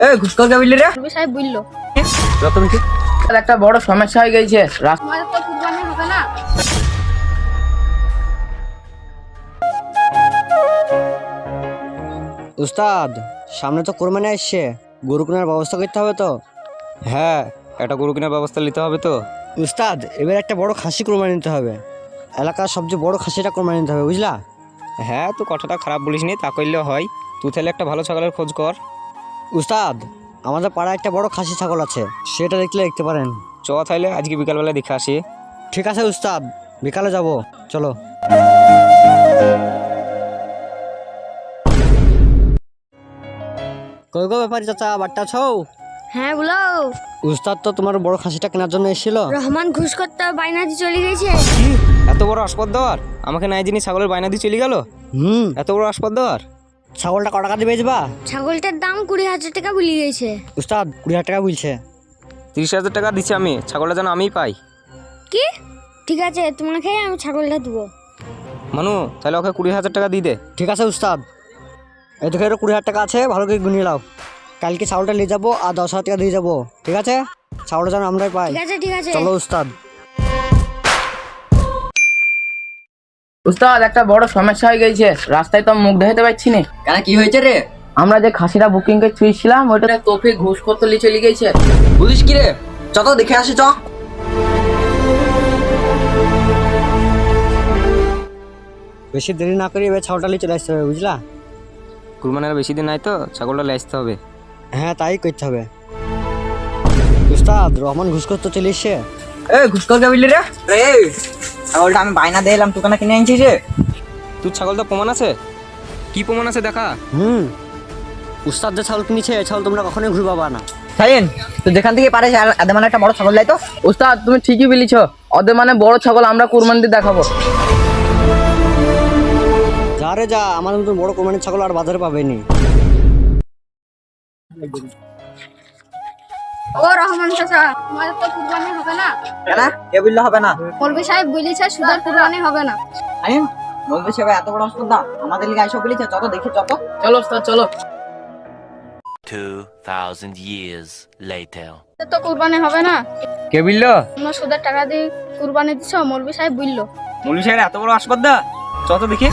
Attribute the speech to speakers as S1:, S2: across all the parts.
S1: ঘুষ করে বুঝলি রে
S2: সাহেব বললো
S1: একটা বড় সমস্যা হয়ে গেছে
S2: আমাদের তো কুরবানি হবে না।
S3: উস্তাদ, সামনে তো কোরবানি আসছে, গরু কেনার ব্যবস্থা করতে হবে তো।
S4: হ্যাঁ, একটা গরু কেনার ব্যবস্থা নিতে হবে তো।
S3: উস্তাদ, এবার একটা বড় খাসি কোরবানি নিতে হবে, এলাকার সবচেয়ে বড় খাসিটা কোরবানি নিতে হবে, বুঝলা?
S4: হ্যাঁ, তুই কথাটা খারাপ বলিস নি, তা করলেও হয়। তুই তাহলে একটা ভালো ছাগলের খোঁজ কর।
S3: উস্তাদ, আমাদের পাড়ায় একটা বড় খাসি ছাগল আছে, সেটা দেখতে পারেন।
S4: চ তাহলে আজকে বিকালবেলা দেখে আসি।
S3: ঠিক আছে উস্তাদ, বিকালে যাব, চলো। কই গো ব্যাপারী চাচা, বাট্টা ছৌ?
S2: হ্যাঁ বলো।
S3: উস্তাদ তো তোমার বড় খাসিটা কেনার জন্য এসেছিল।
S2: রহমান ঘুষ করতে বাইনা দিয়ে চলে গেছে।
S4: কি এত বড় আসপদ দেওয়ার? আমাকে নাই জিনিস ছাগলের বায়না দিয়ে চলে গেল। এত বড় আসপদ দেওয়ার?
S3: ছাগলটা ক টাকা দিয়ে বেচবা?
S2: ছাগলটার দাম 20,000 টাকা বলে গেছে।
S3: উস্তাদ 20,000 টাকা বলছে।
S4: 30,000 টাকা দিচ্ছি আমি, ছাগলটা যেন আমিই পাই।
S2: কি? ঠিক আছে, তোমাকে আমি ছাগলটা দেবো।
S4: মানু, তাহলে ওকে 20,000 টাকা দিয়ে দে।
S3: ঠিক আছে উস্তাদ, এই দেখে 20,000 টাকা আছে, ভালো করে গুনিয়ে নাও। কালকে ছাগলটা নিয়ে যাবো আর 10,000 টাকা দিয়ে যাবো, ঠিক আছে? ছাগলটা যেন আমরাই পাই।
S2: ঠিক আছে।
S3: চলো উস্তাদ।
S1: উস্তাদ একটা বড় সমস্যা হয়ে গেছে, রাস্তায় তো মুখ দেখাতে পারছি না।
S5: কেন কি হয়েছে রে?
S1: আমরা যে খাসিটা বুকিং করে চুইছিলাম ওইটা তোফে ঘুষ করতে লিয়ে চলে গেছে।
S5: বুঝিস কি রে? চ তো দেখে আসি চ।
S3: বেশি দেরি না করে এবার ছাগলটা নিয়ে চলে আসতে হবে, বুঝলা?
S4: কুরবানির বেশি দিন নাই তো, ছাগলটা নিয়ে আসতে হবে।
S3: হ্যাঁ, তাই করতে হবে। উস্তাদ, রহমান ঘুষ করতে চলে এসছে।
S1: ঘুষ করে বুঝলি রে
S5: রে, ছাগলটা আমি বায়না দিয়ে এলাম, তুই কেন কিনে আনছিস রে?
S4: তোর ছাগলটা প্রমাণ আছে? কি প্রমাণ আছে দেখা।
S3: উস্তাদ যে ছাগল কিনেছে, এই ছাগল তোমরা কখনোই ঘুরে পাবা না।
S5: সাইন, তুই যেখান থেকে পারিস এদের মানে একটা বড় ছাগল লাই তো।
S1: উস্তাদ তুমি ঠিকই বলেছ, ওদের মানে বড় ছাগল আমরা কুরবানি দিয়ে দেখাবো।
S3: যা রে যা, আমাদের মতন বড় কোরবানির ছাগল আর বাজারে পাবেনি।
S2: ও রহমান চাচা, আমাদের তো কুরবানি হবে না।
S5: কেন কে বললে হবে না?
S2: মৌলভী সাহেব বলেছে সুদের কুরবানি হবে না।
S5: সাইন, বলবে সে ভাই এত বড় হাসপাতাল আমাদের লিগে আইসব বলেছে, চত দেখি চত।
S1: চলো উস্তাদ চলো।
S6: 2,000 years later.
S2: আমাদের তো কুরবানি হবে না।
S1: কে বললো?
S2: তোমরা সুদের টাকা দিয়ে কুরবানি দিছো, মৌলভী সাহেব বললো।
S4: মৌলভী সাহেব এত বড় আসপদ দা? যত দেখি।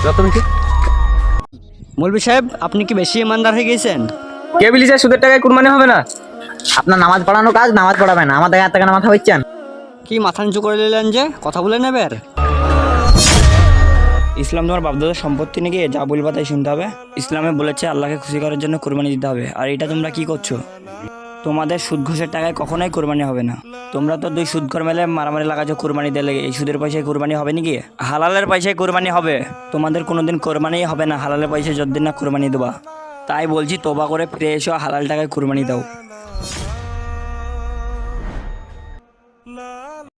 S3: মৌলভী সাহেব, আপনি কি বেশি ইমানদার হয়ে গেছেন?
S1: কে বলেছে সুদের টাকায় কুরবানি হবে না?
S5: আপনার নামাজ পড়ানো কাজ, নামাজ পড়াবে না, আমাদের এত টাকা মাথা হইছেন।
S3: কি মাথা নিচু করে নিলেন যে, কথা বলে নেবেন?
S7: ইসলাম তোমার বাপদাদার সম্পত্তি নাকি, যা বলবা তাই শুনতে হবে। ইসলামে বলেছে আল্লাহকে খুশি করার জন্য কোরবানি দিতে হবে, আর এটা তোমরা কি করছো? তোমাদের সুদ ঘুষের টাকায় কখনোই কোরবানি হবে না। তোমরা তো 2 সুদঘর মেলে মারামারি লাগাচ্ছ কোরবানি দিলে। এই সুদের পয়সায় কোরবানি হবে নাকি? হালালের পয়সায় কোরবানি হবে। তোমাদের কোনোদিন কোরবানি হবে না হালালের পয়সায় যতদিন না কোরবানি দেবা। তাই বলছি, তোবা করে ফিরে এসো, হালাল টাকায় কোরবানি দাও।